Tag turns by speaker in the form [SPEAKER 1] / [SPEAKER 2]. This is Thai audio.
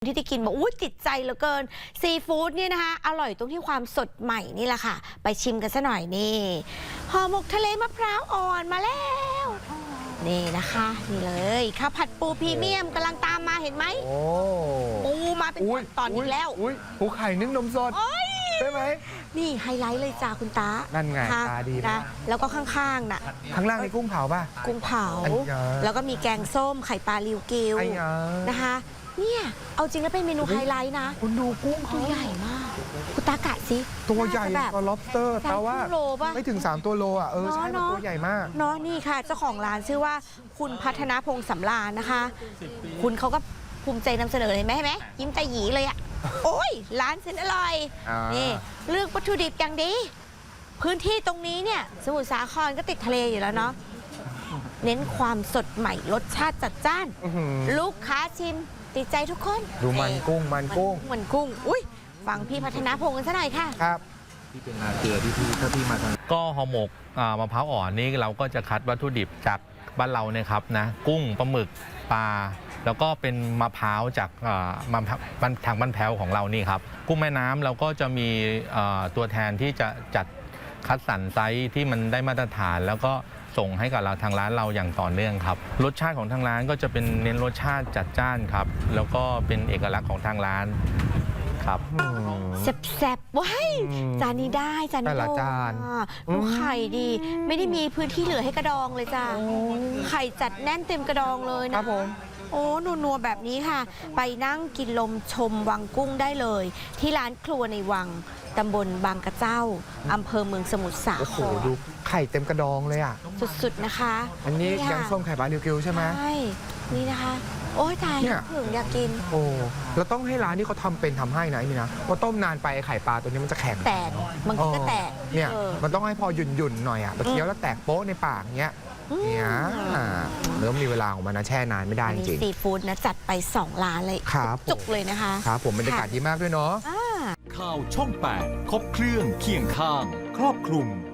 [SPEAKER 1] ที่ได้กินบอกอุ้ยติดใจเหลือเกินซีฟู้ดเนี่ยนะคะอร่อยตรงที่ความสดใหม่นี่แหละค่ะไปชิมกันซะหน่อยนี่ห่อหมกทะเลมะพร้าวอ่อนมาแล้วนี่นะคะนี่เลยข้าวผัดปูพรีเมียมกำลังตามมาเห็นไหมปูมาเป็นตอนอีกแล้ว
[SPEAKER 2] ปูไข่นึ่งนมสดใช่ไหม
[SPEAKER 1] นี่ไฮไลท์เลยจ้าคุณตา
[SPEAKER 2] นั่นไงตาดีนะ
[SPEAKER 1] แล้วก็ข้างๆน่ะ
[SPEAKER 2] ข้างล่างนี่กุ้งเผาป่ะ
[SPEAKER 1] กุ้งเผาแล้วก็มีแกงส้มไข่ปลาริวกิวนะคะเนี่ยเอาจริงแล้วเป็นเมนูไฮไลท์นะ
[SPEAKER 2] คุณดูกุ้ง
[SPEAKER 1] ตัวใหญ่มากคุณตากะสิ
[SPEAKER 2] ตัวใหญ่กว่า lobster แต่ว่าไม่ถึง3ตัวโลอ่ะใช่ตัวใหญ่มาก
[SPEAKER 1] เนาะนี่ค่ะเจ้าของร้านชื่อว่าคุณพัฒนาพงษ์สำราญนะคะคุณเขาก็ภูมิใจนำเสนอเลยไหมยิ้มใจหยีเลยอ่ะโอ้ยร้านเส้นอร่อยนี่เลือกวัตถุดิบอย่างดีพื้นที่ตรงนี้เนี่ยสมุทรสาครก็ติดทะเลอยู่แล้วเนาะเน้นความสดใหม่รสชาติจัดจ้านลูกค้าชิมติดใจทุกคน
[SPEAKER 2] ดูมันกุ้ง
[SPEAKER 1] อุ้ยฟังพี่พัฒนาพงษ์กันซะหน่อยค่ะ
[SPEAKER 2] ครับ
[SPEAKER 3] ที่เป็นนาเกลือที่ถ้าพี่มาทางก็ห่อหมกมะพร้าวอ่อนนี่เราก็จะคัดวัตถุดิบจากบ้านเราเนี่ยครับนะกุ้งปลาหมึกปลาแล้วก็เป็นมะพร้าวจากทางบ้านแพ้วของเรานี่ครับกุ้งแม่น้ำเราก็จะมีตัวแทนที่จะจัดคัดสรรไซส์ที่มันได้มาตรฐานแล้วก็ส่งให้กับเราทางร้านเราอย่างต่อเนื่องครับรสชาติของทางร้านก็จะเป็นเน้นรสชาติจัดจ้านครับแล้วก็เป็นเอกลักษณ์ของทางร้านครับ
[SPEAKER 1] แซ่บๆว้ายจานนี้ได้จานนี้ดูไข่ดีไม่ได้มีพื้นที่เหลือให้กระดองเลยจ้าไข่จัดแน่นเต็มกระดองเลยนะครับ
[SPEAKER 2] ผม
[SPEAKER 1] โอ้นัวๆแบบนี้ค่ะไปนั่งกินลมชมวังกุ้งได้เลยที่ร้านครัวในวังตำบลบางกระเจ้าอำเภอเมืองสมุทรสาคร
[SPEAKER 2] โอ้โหดูไข่เต็มกระดองเลยอ่ะ
[SPEAKER 1] สุดๆนะคะ
[SPEAKER 2] อันนี้แกงส้มไข่ปลาริวกิวใช่ไหม
[SPEAKER 1] ใช่นี่นะคะโอ้ยตายถึงอยากกิน
[SPEAKER 2] โอ้เราต้องให้ร้านที่เขาทำเป็นทำให้นะนี่นะว่าต้มนานไปไข่ปลาตัวนี้มันจะแข็ง
[SPEAKER 1] แตกบางทีก็แตก
[SPEAKER 2] เนี่ยมันต้องให้พอหยุ่นๆหน่อยอ่ะเคี้ยวแล้วแตกโป๊ะในปากเงี้ยเนี่ยเริ่มมีเวลาของมันนะแช่นานไม่ได้จริง
[SPEAKER 1] ซีฟู้ดนะจัดไป2 ร้านเลยจุกเลยนะคะ
[SPEAKER 2] ครับผมบรรยากาศดีมากด้วยเนาะ
[SPEAKER 4] ข่าวช่อง 8 ครบเครื่องเคียงข้างครอบคลุม